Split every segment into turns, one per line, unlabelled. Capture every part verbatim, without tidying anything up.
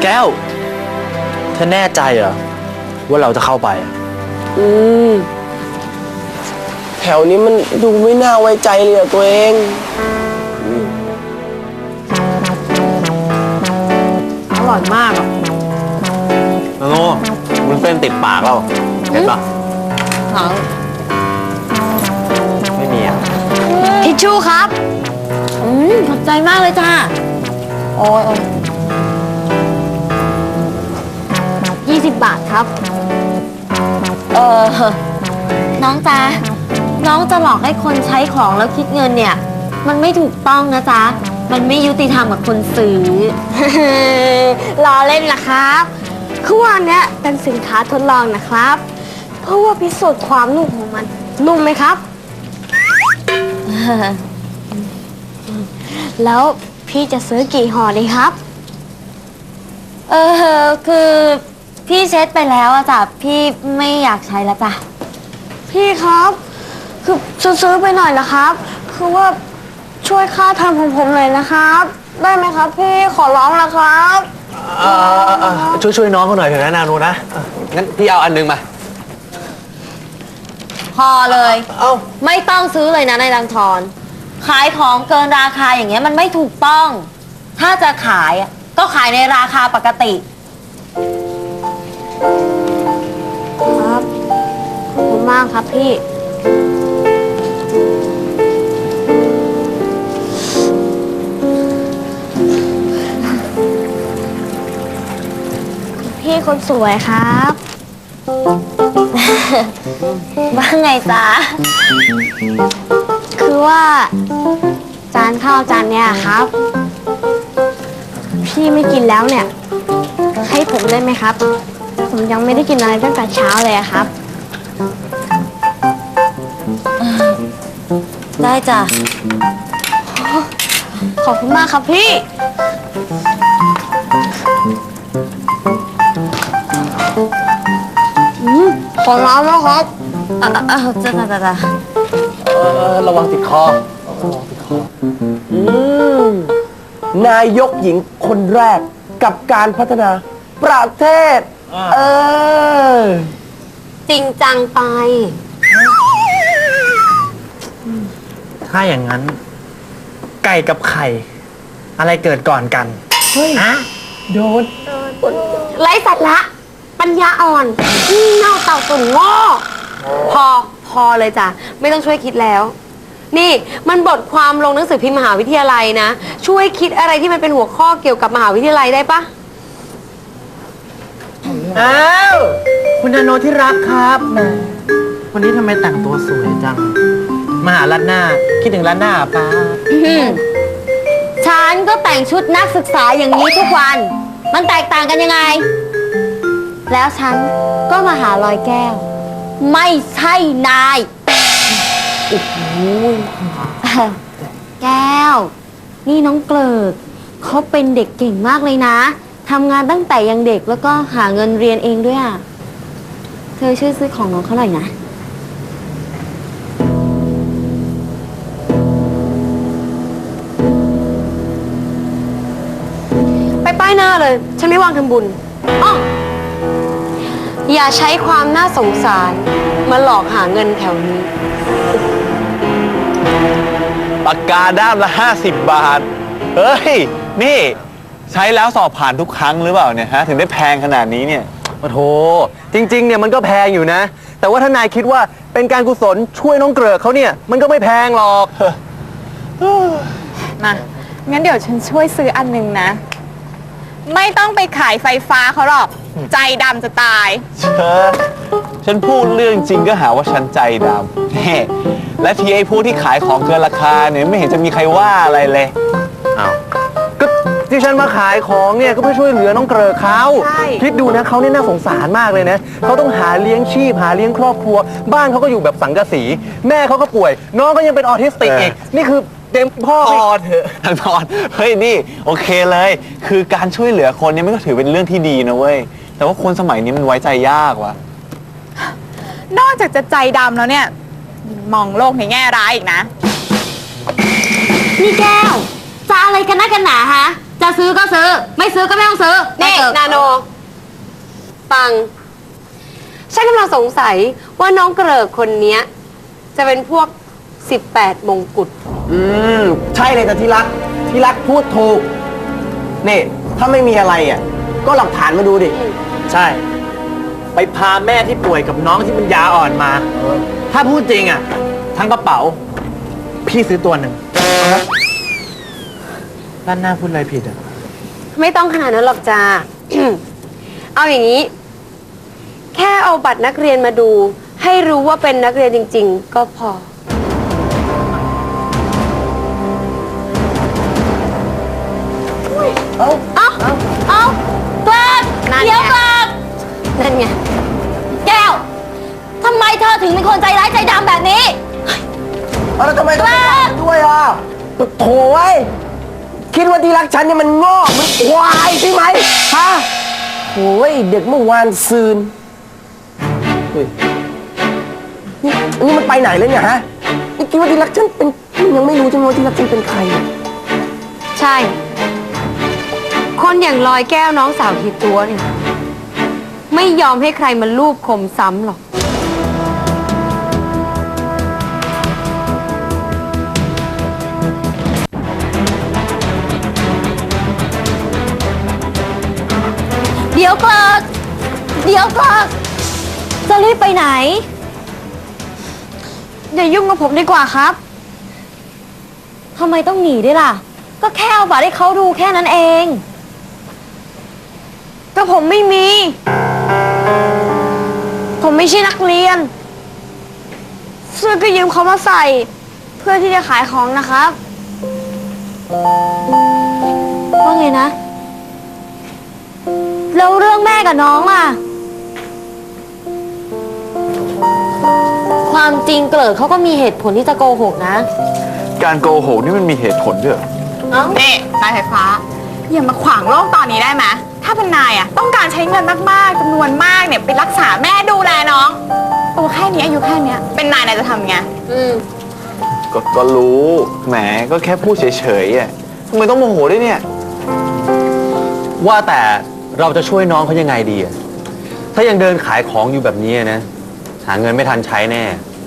ก้วเธอแน่ใจเหรอว่าเราจะเข้าไป
อืมแถวนี้มันดูไม่น่าไว้ใจเลยอะตัวเอง
อร่อยมากอ่ะ
โน่มันเส้นติดปากเราเห็นปะไม่มีอ่ะ
ทิชชู่ครับอืมขอบใจมากเลยจ้าโอ้ยยี่สิบบาทครับเออน้องจ๊ะน้องจะหลอกให้คนใช้ของแล้วคิดเงินเนี่ยมันไม่ถูกต้องนะจ๊ะมันไม่ยุติธรรมกับคนซื้อ ล้อเล่นนะครับคือว่าเนี้ยเป็นสินค้าทดลองนะครับเพราะว่าพิสูจน์ความนุ่มของมันนุ่มไหมครับ แล้วพี่จะซื้อกี่ห่อดีครับเออคือพี่เช็ดไปแล้วอะจ้ะพี่ไม่อยากใช้แล้วจ้ะพี่ครับคือซื้อไปหน่อยนะครับคือว่าช่วยค่าทำของผมหน่อยนะครับได้ไหมครับพี่ขอร้องนะครับ
ช่วยช่วยน้องเขาหน่อยเถอะนะนานูนะงั้นพี่เอาอันนึงมา
พอเลย
เอ้า
ไม่ต้องซื้อเลยนะนายรังทรขายของเกินราคาอย่างเงี้ยมันไม่ถูกต้องถ้าจะขายก็ขายในราคาปกติครับขอบคุณมากครับพี่พี่คนสวยครับว่าไงจ๊ะคือว่าจานข้าวจานเนี้ยครับพี่ไม่กินแล้วเนี่ยให้ผมได้ไหมครับผมยังไม่ได้กินอะไรตั้งแต่เช้าเลยครับได้จ้ะขอบคุณมากครับพี่ขอร้องนะครับอ่ะอ่ะจ้ะจ้ะจ้ะจ้ะ
เออระวังติดคอระวังติดคอ
อืมนายกหญิงคนแรกกับการพัฒนาประเทศเออ
จริงจังไป
ถ้าอย่างนั้นไก่กับไข่อะไรเกิดก่อนกัน
เฮ้ย
ฮะ
โดน
ไร้สัตว์ละปัญญาอ่อนเน่าเต่าตุ่นโง่พอพอเลยจ้ะไม่ต้องช่วยคิดแล้วนี่มันบทความลงหนังสือพิมพ์มหาวิทยาลัยนะช่วยคิดอะไรที่มันเป็นหัวข้อเกี่ยวกับมหาวิทยาลัยได้ปะ
อ้าวคุณนาโนที่รักครับวันนี้ทำไมแต่งตัวสวยจังมาหาลัดหน้าคิดถึงลัดหน้าป้า
ฉันก็แต่งชุดนักศึกษาอย่างนี้ทุกวันมันแตกต่างกันยังไงแล้วฉันก็มาหาลอยแก้วไม่ใช่นายโอ้โหแก้วนี่น้องเกลิกเขาเป็นเด็กเก่งมากเลยนะทำงานตั้งแต่ยังเด็กแล้วก็หาเงินเรียนเองด้วยอ่ะเธอช่วยซื้อของน้องเขาหน่อยนะไปป้ายหน้าเลยฉันไม่วางทำบุญอ้ออย่าใช้ความน่าสงสารมาหลอกหาเงินแถวนี้
ปากกาด้ามละห้าสิบบาทเฮ้ยนี่ใช้แล้วสอบผ่านทุกครั้งหรือเปล่าเนี่ยฮะถึงได้แพงขนาดนี้เนี่ยโอ้โหจริงๆเนี่ยมันก็แพงอยู่นะแต่ว่าถ้านายคิดว่าเป็นการกุศลช่วยน้องเกลือเขาเนี่ยมันก็ไม่แพงหรอก
มางั้นเดี๋ยวฉันช่วยซื้ออันหนึ่งนะไม่ต้องไปขายไฟฟ้าเขาหรอกใจดำจะตาย
เชอฉันพูดเรื่องจริงก็หาว่าฉันใจดำแน่และทีไอ้พวกที่ขายของเกินราคาเนี่ยไม่เห็นจะมีใครว่าอะไรเลยอ้าวก็ที่ฉันมาขายของเนี่ยก็เพื่อช่วยเหลือน้องเกลือเขาคิดดูนะเขาเนี่ยน่าสงสารมากเลยนะเขาต้องหาเลี้ยงชีพหาเลี้ยงครอบครัวบ้านเขาก็อยู่แบบสังกะสีแม่เขาก็ป่วยน้องก็ยังเป็นออทิสติกอีกนี่คือเต็มพ่อพอเถอะทางนอนเฮ้ยนี่โอเคเลยคือการช่วยเหลือคนเนี่ยมันก็ถือเป็นเรื่องที่ดีนะเว้ยแต่ว่าคนสมัยนี้มันไว้ใจยากว่ะ
นอกจากจะใจดำแล้วเนี่ยมองโลกในแง่ร้ายอีกนะ
นี่แก้วจะอะไรกันนักกันหนาฮะจะซื้อก็ซื้อ ไม่ซื้อก็ไม่ต้องซื้อ
นี่
ไปเถอะ
นาโน ฟัง ฉันกำลังสงสัยว่าน้องเกริกคนเนี้ย จะเป็นพวกสิบแปดมงกุฎ
อืม ใช่เลยแต่ที่รัก ที่รักพูดถูก นี่ ถ้าไม่มีอะไรอ่ะ ก็หลักฐานมาดูดิ
ใช่ ไปพาแม่ที่ป่วยกับน้องที่มันยาอ่อนมา ถ้าพูดจริงอ่ะ ทั้งกระเป๋า พี่ซื้อตัวหนึ่งด้านหน้าพูดอะไรผิดอ่ะ
ไม่ต้องขนาดนั้นหรอกจ้า เอาอย่างนี้ แค่เอาบัตรนักเรียนมาดู ให้รู้ว่าเป็นนักเรียนจริง ๆ ก็พอ
เอ้า
เอาเอาเกลิก
นั่นไง
เดี๋ยวเกลิก
นั่นไง
แก้วทำไมเธอถึงเป็นคนใจร้ายใจดำแบบนี้
เอาแล้วทำไมต้องไปจับด้วยอ่ะโถ่ไว้ยคิดว่าที่รักฉันเนี่ยมันโง่มันควายใช่ไหมฮะโอ้ยเด็กเมื่อวานซืนเฮ้ยนี่อันนี้มันไปไหนเลยเนี่ยฮะนี่คิดว่าที่รักฉันเป็นมันยังไม่รู้จังว่าที่รักฉันเป็นใครอ่ะ
ใช่ คนอย่างลอยแก้วน้องสาวทีตัวเนี่ย ไม่ยอมให้ใครมาลูบคมซ้ำหรอก
เดี๋ยวเกลิกเดี๋ยวเกลิกจะรีบไปไหน
อย่ายุ่งกับผมดีกว่าครับ
ทำไมต้องหนีด้วยล่ะ ก็แค่เอาบัตรให้เขาดูแค่นั้นเอง
ก็ผมไม่มี ผมไม่ใช่นักเรียนเสื้อก็ยืมเขามาใส่ เพื่อที่จะขายของนะครับ
ว่าไงนะ แล้วเรื่องแม่กับน้องล่ะ ความจริงเกลิกเขาก็มีเหตุผลที่จะโกหกนะ
การโกหกนี่มันมีเหตุผลด้วยเหรอ
นี่นายไฟฟ้า อย่ามาขวางโลกตอนนี้ได้ไหมถ้าเป็นนายอ่ะต้องการใช้เงินมากๆจำนวนมากเนี่ยไปรักษาแม่ดูแลน้อง ตัวแค่นี้อายุแค่เนี้ยเป็นนายนายจะทำไง
อืม
ก็ก็รู้ แหม ก็แค่พูดเฉยๆอ่ะทำไมต้องโมโหด้วยเนี่ย
ว่าแต่เราจะช่วยน้องเขายังไงดีอะถ้ายังเดินขายของอยู่แบบนี้นะ หาเงินไม่ทันใช้แน่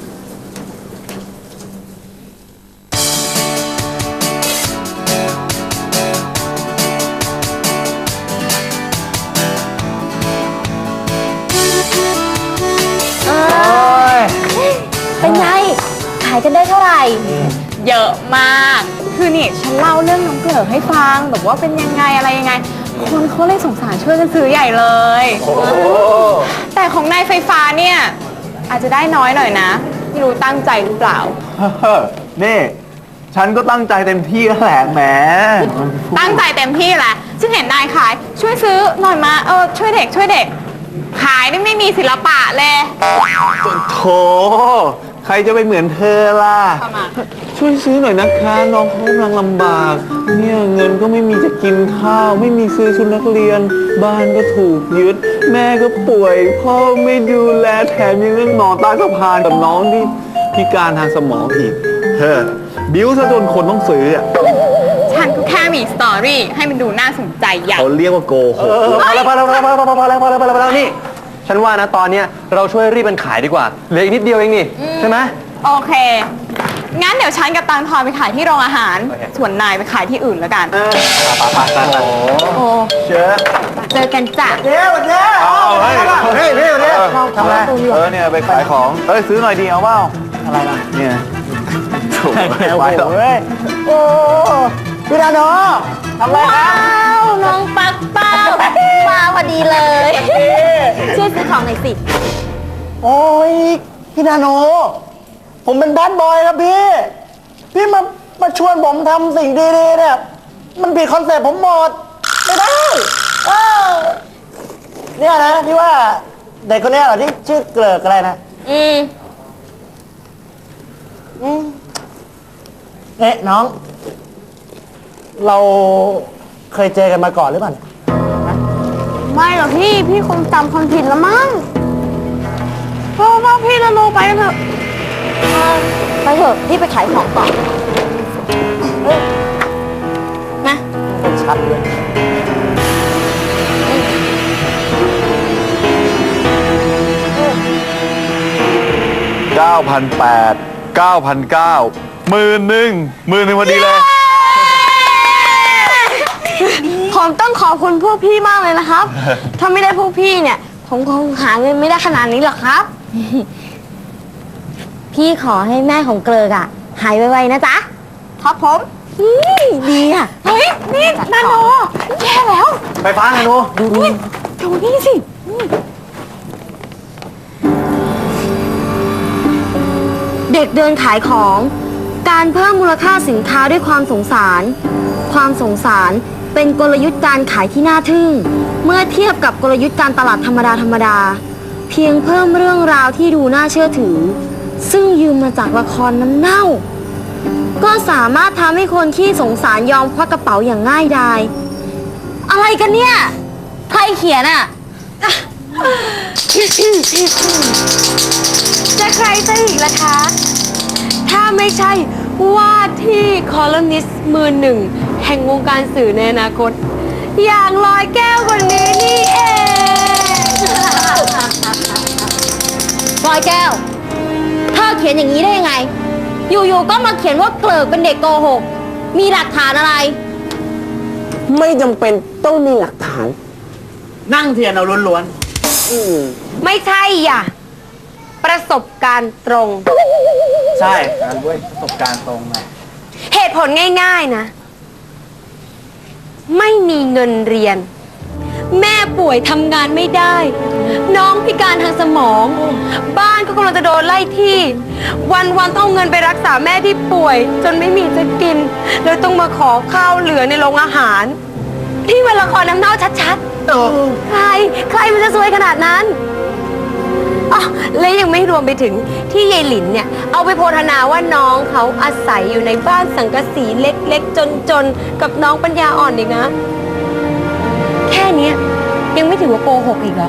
เป็นไง ขายกันได้เท่าไหร่
เยอะมาก คือนี่ฉันเล่าเรื่องน้องเกลือให้ฟังแบบว่าเป็นยังไงอะไรยังไง คนเขาเลยสงสารช่วยกันซื้อใหญ่เลย แต่ของนายไฟฟ้าเนี่ยอาจจะได้น้อยหน่อยนะ ไม่รู้ตั้งใจหรือเปล่า
นี่ ฉันก็ตั้งใจเต็มที่แล้วแหละแหม
ตั้งใจเต็มที่แหละฉันเห็นนายขาย ช่วยซื้อหน่อยมาเออช่วยเด็กช่วยเด็ก ขายนี่ไม่มีศิลปะเลย
โถ ใครจะไปเหมือนเธอล่ะ
ประมาณ
ช่วยซื้อหน่อยนะคะ น้องเขากำลังลำบาก เนี่ยเงินก็ไม่มีจะกินข้าว ไม่มีซื้อชุดนักเรียน บ้านก็ถูกยึด แม่ก็ป่วย พ่อไม่ดูแลแถมยังเรื่องนอนใต้สะพานกับน้องที่พิการทางสมองอีก เฮ้อบิ้วซะจนคนต้องซื้ออ่ะ
ฉันก็แค่มีสตอรี่ให้มันดูน่าสนใจอย่าง
เขาเรียกว่าโกหก
พอแล้วพอแล้วพอแล้วพอแล้วพอแล้วพอแล้วพอแล้วพอแล้วนี่ ฉันว่านะตอนเนี้ยเราช่วยรีบมันขายดีกว่า เหลืออีกนิดเดียวเองนี่ใช่ไหม
โอเค งั้นเดี๋ยวฉันกับตังทอนไปขายที่โรงอาหาร ส่วนนายไปขายที่อื่นแล้วกัน
โอ้
เชื่อ
เจอกันจ้ะ
เดี๋ยวเดี๋ยว
เอาเฮ้ย
เฮ้ยเดี๋ยวเดี๋ยว
ทำอะไรเออเนี่ยไปขายของ เอ้ยซื้อหน่อยดีเอาเปล่าอะไรล่ะ เนี่ยโถ่ไปหรอก
เฮ้ยโอ้พี่ดาโนทำไรครับ
ว้าวน้องปักเป้ามาพอดีเลย ช่วยซื้อของหน่อยสิ
โอ้ยพี่นาโน ผมเป็นแบดบอยครับพี่ พี่มามาชวนผมทำสิ่งดีๆเนี่ย มันผิดคอนเซ็ปต์ผมหมด ไม่ได้เออเนี่ยนะที่ว่าเด็กคนเนี้ยเหรอที่ชื่อเกลิกอะไรนะ
อืม
อืมเอ๊ะน้อง เราเคยเจอกันมาก่อนหรือเปล่าเนี่ย
ไม่หรอกพี่ พี่คงจำคนผิดแล้วมั้งเพราะว่าพี่ละโลไปกันเถอะ
ไปเถอะพี่ไปขายของก่อนนะ
ไม่ใช่ชัดเลย
เก้าพันแปด เก้าพันเก้า หมื่นหนึ่งหมื่นหนึ่งพอดีเลย
ผมต้องขอบคุณพวกพี่มากเลยนะครับ ถ้าไม่ได้พวกพี่เนี่ย ผมคงหาเงินไม่ได้ขนาดนี้หรอกครับ พี่ขอให้แม่ของเกลือกอะหายไวๆนะจ๊ะครับผมอืมดีอะ
เฮ้ย นี่นาโนแย่แล้ว
ไฟฟ้าไงหนู
ดูนี่ดูนี่สิ
เด็กเดินขายของ การเพิ่มมูลค่าสินค้าด้วยความสงสาร ความสงสารเป็นกลยุทธ์การขายที่น่าทึ่ง เมื่อเทียบกับกลยุทธ์การตลาดธรรมดาธรรมดา เพียงเพิ่มเรื่องราวที่ดูน่าเชื่อถือ ซึ่งยืมมาจากละครน้ำเน่า ก็สามารถทำให้คนที่สงสารยอมควักกระเป๋าอย่างง่ายดาย อะไรกันเนี่ย ใครเขียนอ่ะ
จะใครซะอีกล่ะคะ ถ้าไม่ใช่ว่าที่คอลัมนิสต์มือหนึ่ง แห่งวงการสื่อในอนาคต อย่างลอยแก้วคนนี้นี่เอง
ปลอยแก้ว เธอเขียนอย่างนี้ได้ยังไง อยู่ๆ ก็มาเขียนว่าเกลิกเป็นเด็กโกหก มีหลักฐานอะไร
ไม่จำเป็นต้องมีหลักฐาน
นั่งเทียนเอาล้วน
ไม่ใช่อ่ะ ประสบการณ์ตรง
ๆ ใช่การด้วยประสบการณ์ตรงนะ
เหตุผลง่ายๆนะ ไม่มีเงินเรียน แม่ป่วยทำงานไม่ได้ น้องพิการทางสมอง บ้านก็กำลังจะโดนไล่ที่ วันๆต้องเอาเงินไปรักษาแม่ที่ป่วย จนไม่มีจะกินเลยต้องมาขอข้าวเหลือในโรงอาหาร ที่เป็นละครน้ำเน่าชัดๆ ใคร ใครมันจะซวยขนาดนั้นอ๋อและยังไม่รวมไปถึงที่ยายหลินเนี่ย เอาไปโพธนาว่าน้องเขาอาศัยอยู่ในบ้านสังกะสีเล็กๆ จนๆ กับน้องปัญญาอ่อนอีกนะ แค่เนี้ยยังไม่ถือว่าโกหกอีกเหรอ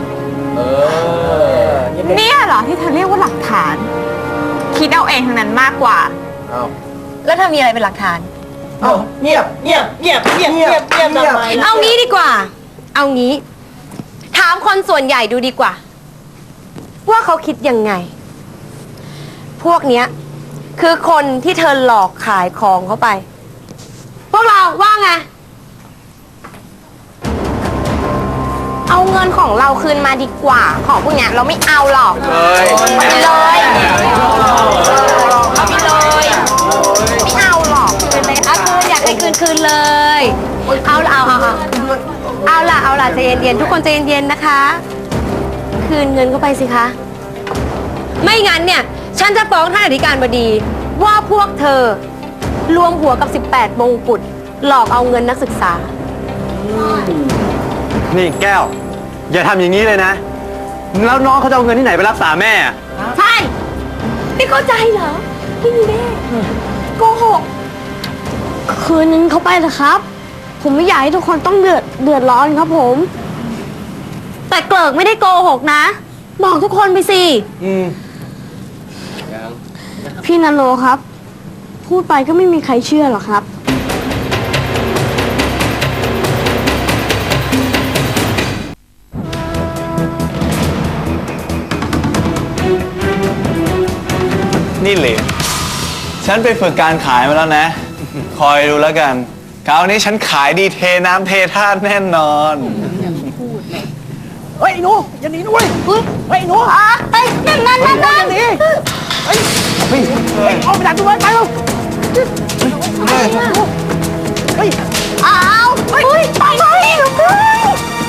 เนี่ยเหรอที่เธอเรียกว่าหลักฐาน คิดเอาเองทั้งนั้นมากกว่า
แล้วเธอมีอะไรเป็นหลักฐาน
เอาเงียบเงียบเงียบเงียบเงียบเงียบทำไม
เอางี้ดีกว่า เอางี้ ถามคนส่วนใหญ่ดูดีกว่า ว่าเขาคิดยังไง พวกเนี้ย คือคนที่เธอหลอกขายของเขาไป พวกเราว่าไง เอาเงินของเราคืนมาดีกว่า ของพวกเนี้ยเราไม่เอาหรอก
เฮ้ย
เอาไปเลยเอาไปเลย ไม่เอาหรอกคืนเลยเอาคืนอยากให้คืนคืนเลย เอาละเอาเอาเอาเอาละเอาละใจเย็นๆทุกคนใจเย็นๆนะคะ คืนเงินเข้าไปสิคะ ไม่งั้นเนี่ย ฉันจะฟ้องท่านอธิการบดี ว่าพวกเธอรวมหัวกับ สิบแปด มงกุฎหลอกเอาเงินนักศึกษา
นี่แก้ว อย่าทำอย่างนี้เลยนะ แล้วน้องเขาจะเอาเงินที่ไหนไปรักษาแม่อะ
ใช่ไม่เข้าใจเหรอไม่มีแม่โกหก
คืนนึงเขาไปเถอะครับ ผมไม่อยากให้ทุกคนต้องเดือดเดือดร้อนครับผม แต่เกลิกไม่ได้โกหกนะ บอกทุกคนไปสิ พี่นันโลครับ พูดไปก็ไม่มีใครเชื่อหรอกครับ
นี่เหลนฉันไปฝึกการขายมาแล้วนะ คอยดูแล้วกัน คราวนี้ฉันขายดีเทน้ำเทท่าแน่นอน
เฮ้ยหนูอย่าหนีนะเว้ยเฮ้ยหนู
อ่ะเฮ้ยนั่นนั่นนั่นนั่น
หนีเฮ้ยเฮ้ยออกไปจากตัวไปเร็วเฮ้ย
อ้าวเฮ้ยไปไปลูกเอ้ย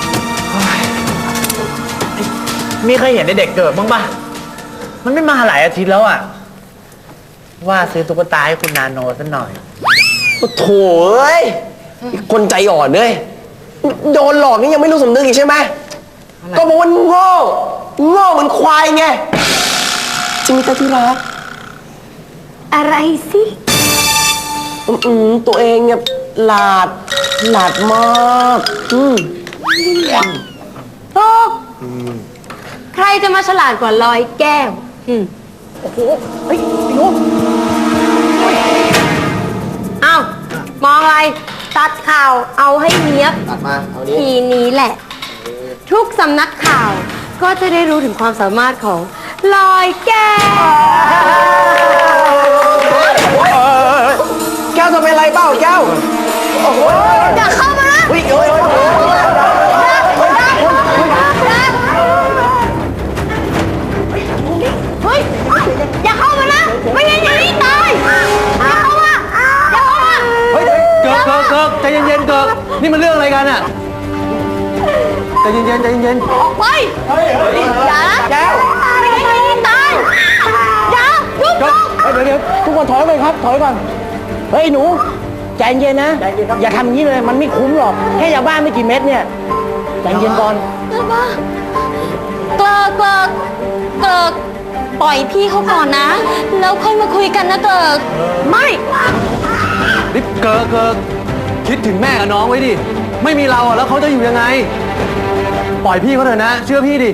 มีเคยเห็นในเด็กเกิดบ้างปะมันไม่มาหลายอาทิตย์แล้วอ่ะ ว่าซื้อตุ๊กตาให้คุณนาโนสักหน่อย
โอ้โถเอ้ยคนใจอ่อนเลยโดนหลอกนี่ยังไม่รู้สำนึกอีกใช่ไหม ก็บอกว่าโง่โง่เหมือนควายไงจริงไหมจ๊ะที่รัก
อะไรสิ
อืมๆตัวเองเนี่ยหลาดหลาดมากอืม
โลกใครจะมาฉลาดกว่าลอยแก้วอืม
เฮ้ยไอ้หนู
อ้าว มองอะไรตัดข่าวเอาให้เนียบ
ตัดมา เอานี้
ทีนี้แหละ ทุกสำนักข่าวก็จะได้รู้ถึงความสามารถของลอยแก้ว
แก้วจะเป็นไรเปล่าแก้ว โอ้โห
อย่าเข้ามานะ
เฮ้ยโอ้ยโอ้ย
เฮ้ยอย่าเข้ามานะไม่งั้นอย่านี่ตายอย่าเข้ามาอย่าเข้ามา
เฮ้ยเกิกเกิกเกิกใจเย็นๆเกิกนี่มันเรื่องอะไรกันอะใจเย็นๆใจเย็น
ออกไปอย่านะ
แก้ว
ไม่งั้นอย่านี่ตายอย่ายุบ
ๆเกิกเฮ้ยเดี๋ยวเดี๋ยวทุกคนถอยไปครับ ถอยก่อน เฮ้ยหนู ใจเย็นนะ อย่าทำอย่างนี้เลย มันไม่คุ้มหรอก แค่ยาบ้าไม่กี่เม็ดเนี่ย ใจเย็นก่อน
เกิดมาเกิดเกิดเกิดปล่อยพี่เขาก่อนนะ แล้วค่อยมาคุยกันนะเกิดไม่
นี่เกิกเกิกคิดถึงแม่กับน้องไว้ดิ ไม่มีเราอะแล้วเขาจะอยู่ยังไง ปล่อยพี่เขาเถอะนะ เชื่อพี่ดิ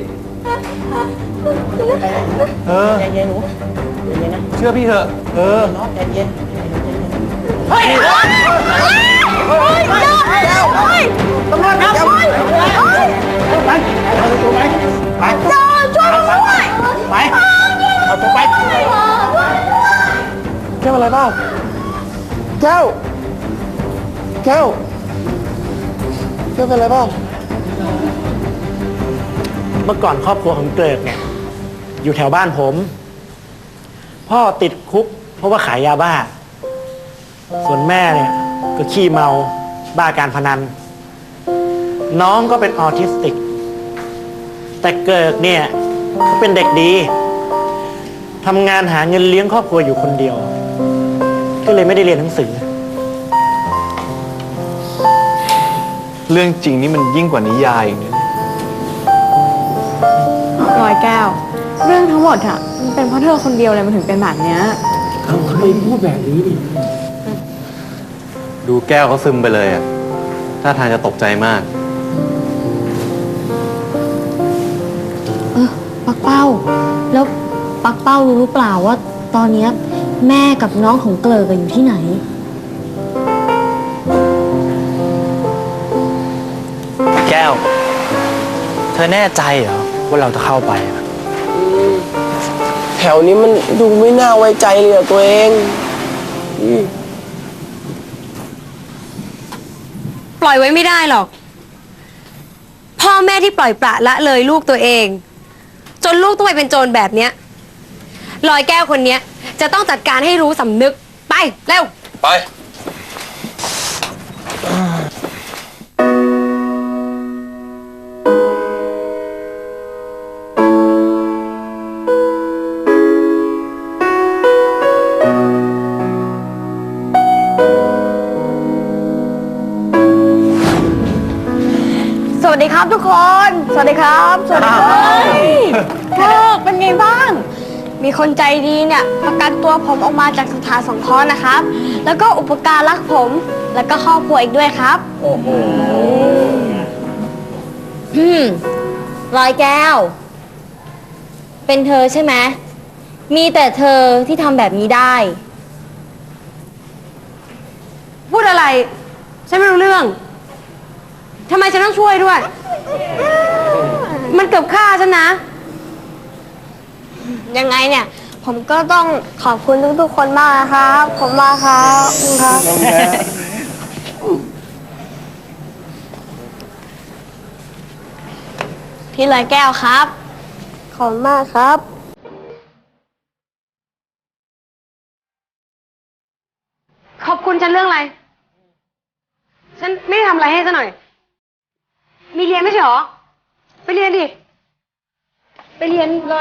เออใจเย็นหนูใจเย็นนะ เชื่อพี่เถอะ เออ
เฮ้ยเฮ้ยเฮ้ยเจ้าเฮ้ย
ตำรวจแก้ว
เฮ้ยเฮ้ย
ไปเอาตัวไป ไป
เจ้าช่วยผมด้วย
ไป เอาตัวไป
แก้วอะไรเปล่าแก้ว แก้ว แก้วเป็นอะไรเปล่า
เมื่อก่อนครอบครัวของเกริกเนี่ย อยู่แถวบ้านผม พ่อติดคุกเพราะว่าขายยาบ้า ส่วนแม่เนี่ยก็ขี้เมาบ้าการพนัน น้องก็เป็นออทิสติก แต่เกิกเนี่ยเขาเป็นเด็กดีทำงานหาเงินเลี้ยงครอบครัวอยู่คนเดียว ก็เลยไม่ได้เรียนหนังสือ
เรื่องจริงนี่มันยิ่งกว่านิยายอย่างนี้
ร้อยแก้ว เรื่องทั้งหมดอะมันเป็นเพราะเธอคนเดียวเลยมันถึงเป็นแบบเนี้ย
ดูแก้วเขาซึมไปเลยอ่ะท่าทางจะตกใจมาก
เออปักเป้า แล้วปักเป้ารู้หรือเปล่าว่า ตอนเนี้ยแม่กับน้องของเกลอกันอยู่ที่ไหน
แก้ว เธอแน่ใจเหรอว่าเราจะเข้าไปอะ
แถวนี้มันดูไม่น่าไว้ใจเลยอะตัวเองอืม
ปล่อยไว้ไม่ได้หรอก พ่อแม่ที่ปล่อยปละละเลยลูกตัวเอง จนลูกต้องไปเป็นโจรแบบเนี้ยลอยแก้วคนเนี้ย จะต้องจัดการให้รู้สำนึก ไป เร็ว
ไป
สวัสดีครับทุกคน สวัสดีครับ สวัสดีครับเธอเป็นไงบ้าง มีคนใจดีเนี่ยประกันตัวผมออกมาจากสถานสงเคราะห์นะครับ แล้วก็อุปการรักผม แล้วก็ครอบครัวอีกด้วยครับ
อืมลอยแก้ว เป็นเธอใช่ไหม มีแต่เธอที่ทำแบบนี้ได้
พูดอะไร ฉันไม่รู้เรื่อง ทำไมฉันต้องช่วยด้วย มันเกือบฆ่าฉันนะ
ยังไงเนี่ย ผมก็ต้องขอบคุณทุกๆคนมากนะครับผมมากครับขอบคุณครับ พี่ลอยแก้วครับ ขอบคุณมากครับ
ขอบคุณฉันเรื่องอะไร ฉันไม่ได้ทำอะไรให้ซะหน่อย มีเรียนไม่ใช่หรอ ไปเรียนดิ ไปเรียนเลย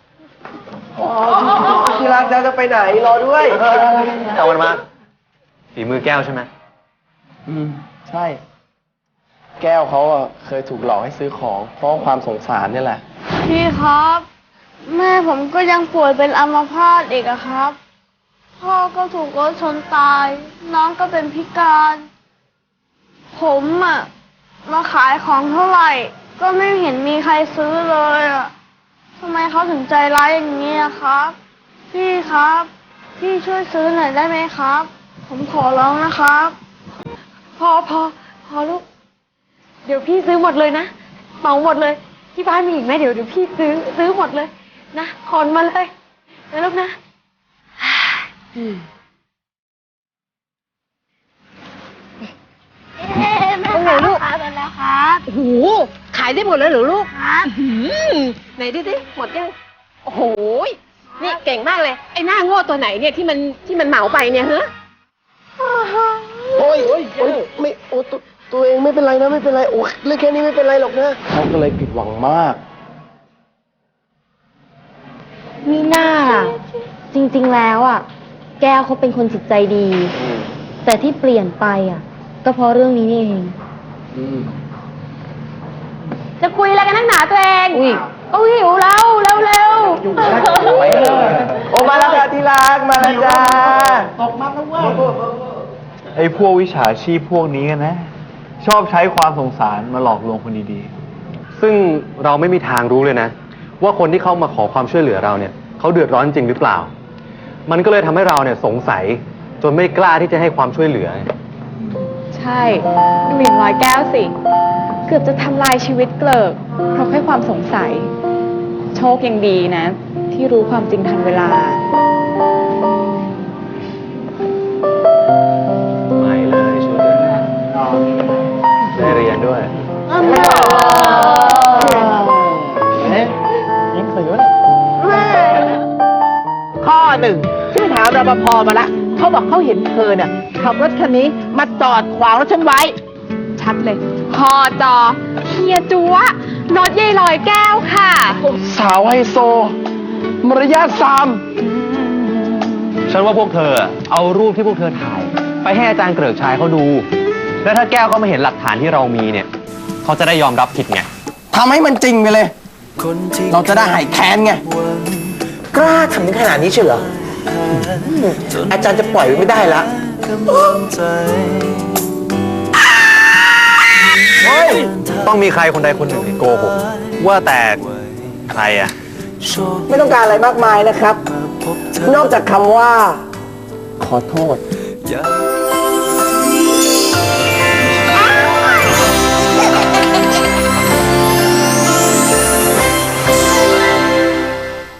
ที่รักจะไปไหนรอด้วย
เอามันมาฝีมือแก้วใช่ไหม
อืม ใช่ แก้วเขาอะเคยถูกหลอกให้ซื้อของ เพราะความสงสารนี่แหละ
พี่ครับ แม่ผมก็ยังป่วยเป็นอัมพาตอีกอะครับ พ่อก็ถูกรถชนตาย น้องก็เป็นพิการ ผมอะมาขายของเท่าไหร่ ก็ไม่เห็นมีใครซื้อเลยอะทำไมเขาถึงใจร้ายอย่างนี้อะครับ พี่ครับ พี่ช่วยซื้อหน่อยได้ไหมครับ ผมขอร้องนะครับ
พอพอพอลูก เดี๋ยวพี่ซื้อหมดเลยนะเหมาหมดเลย ที่บ้านมีอีกไหมเดี๋ยวเดี๋ยวพี่ซื้อซื้อหมดเลยนะขนมาเลยนะลูกนะอืม
แม่ลูกขายหมดแล้วครับ
โอ้โหขายได้หมดเลยเหรอลูกครับไหนดูสิหมดยังโอ้โหนี่เก่งมากเลยไอ้หน้าโง่ตัวไหนเนี่ยที่มันที่มันเหมาไปเนี่ยฮะ
โอ้ยโอ้ยโอ้ยไม่โอ้ตัวตัวเองไม่เป็นไรนะไม่เป็นไรโอ้ยเรื่องแค่นี้ไม่เป็นไรหรอกนะเขาก็เลยผิดหวังมาก
มีหน้าล่ะ จริงๆแล้วอ่ะ แก้วเขาเป็นคนจิตใจดี แต่ที่เปลี่ยนไปอ่ะ ก็เพราะเรื่องนี้นี่เอง
จะคุยอะไรกันนักหนาตัวเองอุ้ยก็หิวแล้วเร็วเร็ว
โอ้มาแล้วจ้าที่รักมาแล้วจ้า
ไอ้พวกวิชาชีพพวกนี้กันนะ ชอบใช้ความสงสารมาหลอกลวงคนดี
ซึ่งเราไม่มีทางรู้เลยนะ ว่าคนที่เข้ามาขอความช่วยเหลือเราเนี่ยเขาเดือดร้อนจริงหรือเปล่า มันก็เลยทำให้เราเนี่ยสงสัยจนไม่กล้าที่จะให้ความช่วยเหลือ
ใช่ดูอย่างน้อยแก้วสิ เกือบจะทำลายชีวิตเกลิกเพราะแค่ความสงสัย โชคยังดีนะ ที่รู้ความจริงทันเวลา
ไม่เลยช่วยด้วยได้เรียนด้วย
ข้อหนึ่งฉันไปถามรปภมาละเขาบอกเขาเห็นเธอเนี่ยขับรถคันนี้มาจอดขวางรถฉันไว้
ชัดเลยพอจอเฮียจัวรถยายลอยแก้วค่ะ
สาวไฮโซ มารยาทซาม
ฉันว่าพวกเธอเอารูปที่พวกเธอถ่าย ไปให้อาจารย์เกริกชายเขาดู แล้วถ้าแก้วเขามาเห็นหลักฐานที่เรามีเนี่ยเขาจะได้ยอมรับผิดไง
ทำให้มันจริงไปเลย เราจะได้หายแค้นไง กล้าทำถึงขนาดนี้เชียวเหรออืมอาจารย์จะปล่อยไว้ไม่ได้ละเฮ้ย
ต้องมีใครคนใดคนหนึ่งที่โกหกว่าแต่ใครอะ
ไม่ต้องการอะไรมากมายนะครับ นอกจากคำว่า ขอโทษ